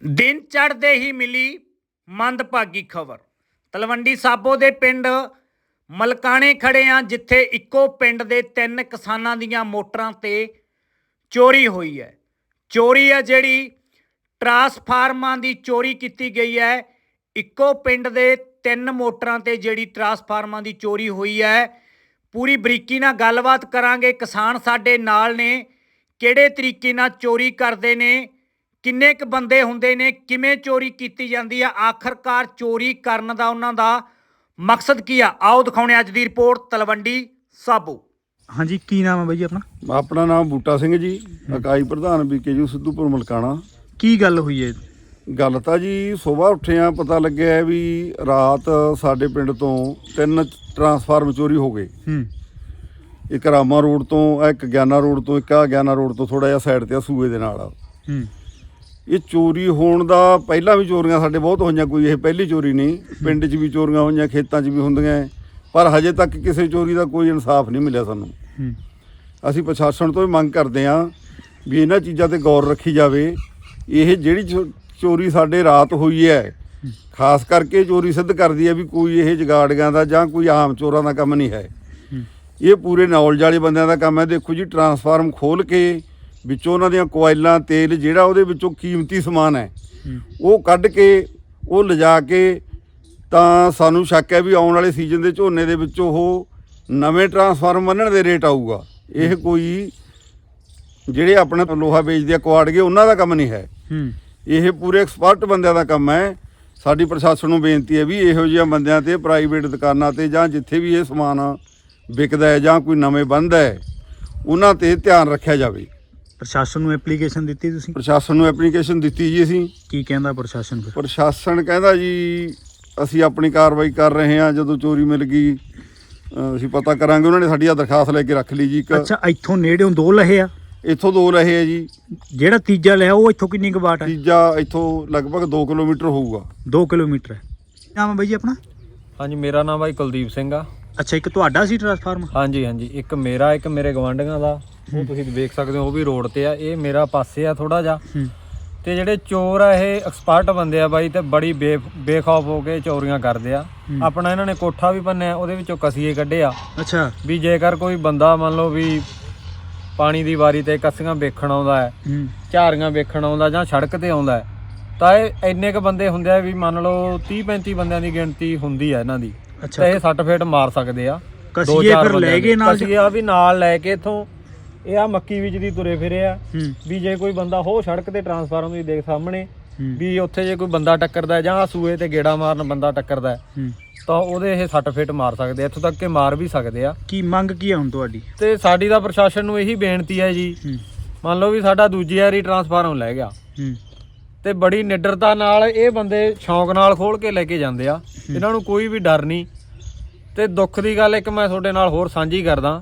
ਦਿਨ ਚੜ੍ਹਦੇ ਹੀ ਮਿਲੀ ਮੰਦਭਾਗੀ ਖਬਰ। ਤਲਵੰਡੀ ਸਾਬੋ ਦੇ ਪਿੰਡ ਮਲਕਾਣੇ ਖੜੇ ਆ, ਜਿੱਥੇ ਇੱਕੋ ਪਿੰਡ ਦੇ 3 ਕਿਸਾਨਾਂ ਦੀਆਂ ਮੋਟਰਾਂ ਤੇ ਚੋਰੀ ਹੋਈ ਹੈ। ਚੋਰੀ ਹੈ ਜਿਹੜੀ ਟਰਾਂਸਫਾਰਮਾਂ ਦੀ ਚੋਰੀ ਕੀਤੀ ਗਈ ਹੈ। ਇੱਕੋ ਪਿੰਡ ਦੇ 3 ਮੋਟਰਾਂ ਤੇ ਜਿਹੜੀ ਟਰਾਂਸਫਾਰਮਾਂ ਦੀ ਚੋਰੀ ਹੋਈ ਹੈ। ਪੂਰੀ ਬਰੀਕੀ ਨਾਲ ਗੱਲਬਾਤ ਕਰਾਂਗੇ। ਕਿਸਾਨ ਸਾਡੇ ਨਾਲ ਨੇ, ਕਿਹੜੇ ਤਰੀਕੇ ਨਾਲ ਚੋਰੀ ਕਰਦੇ ਨੇ, ਕਿੰਨੇ ਕੁ ਬੰਦੇ ਹੁੰਦੇ ਨੇ, ਕਿਵੇਂ ਚੋਰੀ ਕੀਤੀ ਜਾਂਦੀ ਆ, ਆਖਰਕਾਰ ਚੋਰੀ ਕਰਨ ਦਾ ਉਹਨਾਂ ਦਾ ਮਕਸਦ ਕੀ ਆ, ਆਓ ਦਿਖਾਉਣੇ ਅੱਜ ਦੀ ਰਿਪੋਰਟ ਤਲਵੰਡੀ ਸਾਬੋ। ਹਾਂਜੀ, ਕੀ ਨਾਮ ਹੈ ਬਾਈ ਜੀ ਆਪਣਾ? ਆਪਣਾ ਨਾਮ ਬੂਟਾ ਸਿੰਘ ਜੀ, ਇਕਾਈ ਪ੍ਰਧਾਨ BKU ਸਿੱਧੂਪੁਰ ਮਲਕਾਣਾ। ਕੀ ਗੱਲ ਹੋਈ ਹੈ? ਗੱਲ ਤਾਂ ਜੀ ਸਵੇਰ ਉੱਠੇ ਆ, ਪਤਾ ਲੱਗਿਆ ਵੀ ਰਾਤ ਸਾਡੇ ਪਿੰਡ ਤੋਂ 3 ਟਰਾਂਸਫਾਰਮ ਚੋਰੀ ਹੋ ਗਏ। ਇੱਕ ਰਾਮਾ ਰੋਡ ਤੋਂ, ਇੱਕ ਗਿਆਨਾ ਰੋਡ ਤੋਂ, ਇੱਕ ਗਿਆਨਾ ਰੋਡ ਤੋਂ ਥੋੜਾ ਜਿਹਾ ਸਾਈਡ ਤੇ ਸੂਏ ਦੇ ਨਾਲ। ਇਹ ਚੋਰੀ ਹੋਣ ਦਾ ਪਹਿਲਾਂ ਵੀ ਚੋਰੀਆਂ ਸਾਡੇ ਬਹੁਤ ਹੋਈਆਂ, ਕੋਈ ਇਹ ਪਹਿਲੀ ਚੋਰੀ ਨਹੀਂ। ਪਿੰਡ 'ਚ ਵੀ ਚੋਰੀਆਂ ਹੋਈਆਂ, ਖੇਤਾਂ 'ਚ ਵੀ ਹੁੰਦੀਆਂ, ਪਰ ਹਜੇ ਤੱਕ ਕਿਸੇ ਚੋਰੀ ਦਾ ਕੋਈ ਇਨਸਾਫ ਨਹੀਂ ਮਿਲਿਆ ਸਾਨੂੰ। ਅਸੀਂ ਪ੍ਰਸ਼ਾਸਨ ਤੋਂ ਵੀ ਮੰਗ ਕਰਦੇ ਹਾਂ ਵੀ ਇਹਨਾਂ ਚੀਜ਼ਾਂ ਤੇ ਗੌਰ ਰੱਖੀ ਜਾਵੇ। ਇਹ ਜਿਹੜੀ ਚੋਰੀ ਸਾਡੇ ਰਾਤ ਹੋਈ ਹੈ, ਖਾਸ ਕਰਕੇ ਚੋਰੀ ਸਿੱਧ ਕਰਦੀ ਹੈ ਵੀ ਕੋਈ ਇਹ ਜਗਾੜੀਆਂ ਦਾ ਜਾਂ ਕੋਈ ਆਮ ਚੋਰਾਂ ਦਾ ਕੰਮ ਨਹੀਂ ਹੈ। ਇਹ ਪੂਰੇ ਨੌਲੇਜ ਵਾਲੇ ਬੰਦਿਆਂ ਦਾ ਕੰਮ ਹੈ। ਦੇਖੋ ਜੀ, ਟਰਾਂਸਫਾਰਮ ਖੋਲ੍ਹ ਕੇ ਵਿੱਚੋਂ ਉਹਨਾਂ ਦੀਆਂ ਕੋਇਲਾਂ, ਤੇਲ, ਜਿਹੜਾ ਉਹਦੇ ਵਿੱਚੋਂ ਕੀਮਤੀ ਸਮਾਨ ਹੈ ਉਹ ਕੱਢ ਕੇ ਉਹ ਲਿਜਾ ਕੇ, ਤਾਂ ਸਾਨੂੰ ਸ਼ੱਕ ਹੈ ਵੀ ਆਉਣ ਵਾਲੇ ਸੀਜ਼ਨ ਦੇ ਝੋਨੇ ਦੇ ਵਿੱਚ ਉਹ ਨਵੇਂ ਟਰਾਂਸਫਾਰਮ ਬੰਨ੍ਹਣ ਦੇ ਰੇਟ ਆਊਗਾ। ਇਹ ਕੋਈ ਜਿਹੜੇ ਆਪਣਾ ਲੋਹਾ ਵੇਚਦੇ ਆ ਕੁਆੜਗੇ, ਉਹਨਾਂ ਦਾ ਕੰਮ ਨਹੀਂ ਹੈ। ਇਹ ਪੂਰੇ ਐਕਸਪਰਟ ਬੰਦਿਆਂ ਦਾ ਕੰਮ ਹੈ। ਸਾਡੀ ਪ੍ਰਸ਼ਾਸਨ ਨੂੰ ਬੇਨਤੀ ਹੈ ਵੀ ਇਹੋ ਜਿਹੀਆਂ ਬੰਦਿਆਂ ਤੇ, ਪ੍ਰਾਈਵੇਟ ਦੁਕਾਨਾਂ ਤੇ ਜਾਂ ਜਿੱਥੇ ਵੀ ਇਹ ਸਮਾਨ ਵਿਕਦਾ ਹੈ ਜਾਂ ਕੋਈ ਨਵੇਂ ਬੰਦ ਹੈ, ਉਹਨਾਂ ਤੇ ਧਿਆਨ ਰੱਖਿਆ ਜਾਵੇ। ਪ੍ਰਸ਼ਾਸਨ ਨੂੰ ਐਪਲੀਕੇਸ਼ਨ ਦਿੱਤੀ ਤੁਸੀਂ? ਪ੍ਰਸ਼ਾਸਨ ਨੂੰ ਐਪਲੀਕੇਸ਼ਨ ਦਿੱਤੀ ਜੀ ਅਸੀਂ। ਕੀ ਕਹਿੰਦਾ ਪ੍ਰਸ਼ਾਸਨ? ਪ੍ਰਸ਼ਾਸਨ ਕਹਿੰਦਾ ਜੀ ਅਸੀਂ ਆਪਣੀ ਕਾਰਵਾਈ ਕਰ ਰਹੇ ਹਾਂ, ਜਦੋਂ ਚੋਰੀ ਮਿਲ ਗਈ ਅਸੀਂ ਪਤਾ ਕਰਾਂਗੇ। ਉਹਨਾਂ ਨੇ ਸਾਡੀ ਦਰਖਾਸਤ ਲੈ ਕੇ ਰੱਖ ਲਈ ਜੀ। ਅੱਛਾ, ਇੱਥੋਂ ਨੇੜਿਓਂ 2 ਲਹੇ ਆ? ਇੱਥੋਂ 2 ਲਹੇ ਆ ਜੀ। ਜਿਹੜਾ ਤੀਜਾ ਲਿਆ ਉਹ ਇੱਥੋਂ ਕਿੰਨੀ ਕੁ ਬਾਟ ਹੈ? ਤੀਜਾ ਇੱਥੋਂ ਲਗਭਗ 2 ਕਿਲੋਮੀਟਰ ਹੋਊਗਾ। 2 ਕਿਲੋਮੀਟਰ ਹੈ। ਨਾਮ ਹੈ ਬਾਈ ਜੀ ਆਪਣਾ? ਹਾਂਜੀ, ਮੇਰਾ ਨਾਮ ਬਾਈ ਕੁਲਦੀਪ ਸਿੰਘ ਆ। ਅੱਛਾ, ਇੱਕ ਤੁਹਾਡਾ ਸੀ ਟਰਾਂਸਫਾਰਮ? ਹਾਂਜੀ, ਇੱਕ ਮੇਰਾ, ਇੱਕ ਮੇਰੇ ਗਵਾਂਢੀਆਂ ਦਾ। ਉਹ ਤੁਸੀਂ ਵੇਖ ਸਕਦੇ ਹੋ, ਉਹ ਵੀ ਰੋਡ ਤੇ ਆ। ਇਹ ਮੇਰਾ ਪਾਸੇ ਆ ਥੋੜਾ ਜਿਹਾ। ਤੇ ਜਿਹੜੇ ਚੋਰ ਆ ਇਹ ਐਕਸਪਰਟ ਬੰਦੇ ਆ ਬਾਈ, ਤੇ ਬੜੀ ਬੇਖੌਫ ਹੋ ਕੇ ਚੋਰੀਆਂ ਕਰਦੇ ਆ। ਆਪਣਾ ਇਹਨਾਂ ਨੇ ਕੋਠਾ ਵੀ ਭੰਨਿਆ, ਉਹਦੇ ਵਿੱਚੋਂ ਕਸੀਏ ਕੱਢੇ ਆ। ਅੱਛਾ, ਵੀ ਜੇਕਰ ਕੋਈ ਬੰਦਾ ਮੰਨ ਲਓ ਵੀ ਪਾਣੀ ਦੀ ਵਾਰੀ ਤੇ ਕੱਸੀਆਂ ਵੇਖਣ ਆਉਂਦਾ ਹੈ, ਝਾਰੀਆਂ ਵੇਖਣ ਆਉਂਦਾ ਜਾਂ ਸੜਕ ਤੇ ਆਉਂਦਾ ਹੈ, ਤਾਂ ਇਹ ਇੰਨੇ ਕ ਬੰਦੇ ਹੁੰਦੇ ਆ ਵੀ ਮੰਨ ਲਓ 30-35 ਬੰਦਿਆਂ ਦੀ ਗਿਣਤੀ ਹੁੰਦੀ ਆ ਇਹਨਾਂ ਦੀ। ਤੇ ਇਹ 60 ਫੇਟ ਮਾਰ ਸਕਦੇ ਆ। ਕਸੀਏ ਫਿਰ ਲੈ ਗਏ ਨਾਲ? ਕਸੀਆ ਵੀ ਨਾਲ ਲੈ ਕੇ ਇੱਥੋਂ ਇਹ ਆ ਮੱਕੀ ਵਿੱਚ ਦੀ ਤੁਰੇ ਫਿਰੇ ਆ। ਵੀ ਜੇ ਕੋਈ ਬੰਦਾ ਹੋ ਸੜਕ ਤੇ ਟਰਾਂਸਫਾਰਮ ਤੁਸੀਂ ਦੇਖ ਸਾਹਮਣੇ, ਵੀ ਉੱਥੇ ਜੇ ਕੋਈ ਬੰਦਾ ਟੱਕਰਦਾ ਜਾਂ ਸੂਏ ਤੇ ਗੇੜਾ ਮਾਰਨ ਬੰਦਾ ਟੱਕਰਦਾ ਤਾਂ ਉਹਦੇ ਇਹ 60 ਫੇਟ ਮਾਰ ਸਕਦੇ ਆ, ਇੱਥੋਂ ਤੱਕ ਕਿ ਮਾਰ ਵੀ ਸਕਦੇ ਆ। ਕੀ ਮੰਗ ਕੀ ਆ ਹੁਣ ਤੁਹਾਡੀ? ਤੇ ਸਾਡੀ ਤਾਂ ਪ੍ਰਸ਼ਾਸਨ ਨੂੰ ਇਹੀ ਬੇਨਤੀ ਹੈ ਜੀ, ਮੰਨ ਲਓ ਵੀ ਸਾਡਾ ਦੂਜੀ ਵਾਰੀ ਟਰਾਂਸਫਾਰਮ ਲੈ ਗਿਆ ਤੇ ਬੜੀ ਨਿਡਰਤਾ ਨਾਲ ਇਹ ਬੰਦੇ ਸ਼ੌਂਕ ਨਾਲ ਖੋਲ ਕੇ ਲੈ ਕੇ ਜਾਂਦੇ ਆ। ਇਹਨਾਂ ਨੂੰ ਕੋਈ ਵੀ ਡਰ ਨਹੀਂ। ਤੇ ਦੁੱਖ ਦੀ ਗੱਲ ਇੱਕ ਮੈਂ ਤੁਹਾਡੇ ਨਾਲ ਹੋਰ ਸਾਂਝੀ ਕਰਦਾ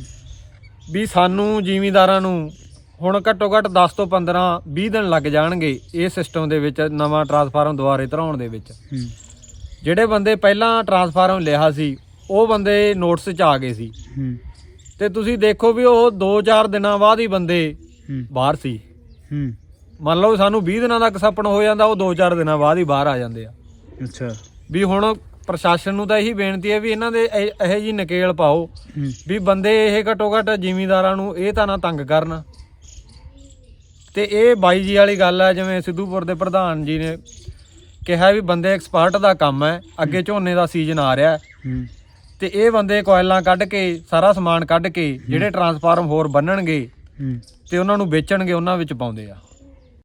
ਵੀ ਸਾਨੂੰ ਜ਼ਿਮੀਂਦਾਰਾਂ ਨੂੰ ਹੁਣ ਘੱਟੋ ਘੱਟ 10 ਤੋਂ 15-20 ਦਿਨ ਲੱਗ ਜਾਣਗੇ ਇਹ ਸਿਸਟਮ ਦੇ ਵਿੱਚ ਨਵਾਂ ਟਰਾਂਸਫਾਰਮ ਦੁਬਾਰੇ ਧਰਾਉਣ ਦੇ ਵਿੱਚ। ਜਿਹੜੇ ਬੰਦੇ ਪਹਿਲਾਂ ਟਰਾਂਸਫਾਰਮ ਲਿਆ ਸੀ ਉਹ ਬੰਦੇ ਨੋਟਿਸ 'ਚ ਆ ਗਏ ਸੀ, ਤੇ ਤੁਸੀਂ ਦੇਖੋ ਵੀ ਉਹ 2-4 ਦਿਨਾਂ ਬਾਅਦ ਹੀ ਬੰਦੇ ਬਾਹਰ ਸੀ। ਮੰਨ ਲਓ ਸਾਨੂੰ 20 ਦਿਨਾਂ ਦਾ ਕਸਪਣ ਹੋ ਜਾਂਦਾ, ਉਹ 2-4 ਦਿਨਾਂ ਬਾਅਦ ਹੀ ਬਾਹਰ ਆ ਜਾਂਦੇ ਆ। ਅੱਛਾ, ਵੀ ਹੁਣ ਪ੍ਰਸ਼ਾਸਨ ਨੂੰ ਤਾਂ ਇਹੀ ਬੇਨਤੀ ਹੈ ਵੀ ਇਹਨਾਂ ਦੇ ਇਹੋ ਜਿਹੀ ਨਕੇਲ ਪਾਓ ਵੀ ਬੰਦੇ ਇਹ ਘੱਟੋ ਘੱਟ ਜ਼ਿਮੀਂਦਾਰਾਂ ਨੂੰ ਇਹ ਤਾਂ ਨਾ ਤੰਗ ਕਰਨ। ਤੇ ਇਹ ਬਾਈ ਜੀ ਵਾਲੀ ਗੱਲ ਹੈ, ਜਿਵੇਂ ਸਿੱਧੂਪੁਰ ਦੇ ਪ੍ਰਧਾਨ ਜੀ ਨੇ ਕਿਹਾ ਵੀ ਬੰਦੇ ਐਕਸਪਰਟ ਦਾ ਕੰਮ ਹੈ। ਅੱਗੇ ਝੋਨੇ ਦਾ ਸੀਜ਼ਨ ਆ ਰਿਹਾ ਤੇ ਇਹ ਬੰਦੇ ਕੋਇਲਾਂ ਕੱਢ ਕੇ, ਸਾਰਾ ਸਮਾਨ ਕੱਢ ਕੇ ਜਿਹੜੇ ਟਰਾਂਸਫਾਰਮ ਹੋਰ ਬੰਨਣਗੇ ਤੇ ਉਹਨਾਂ ਨੂੰ ਵੇਚਣਗੇ, ਉਹਨਾਂ ਵਿੱਚ ਪਾਉਂਦੇ ਆ।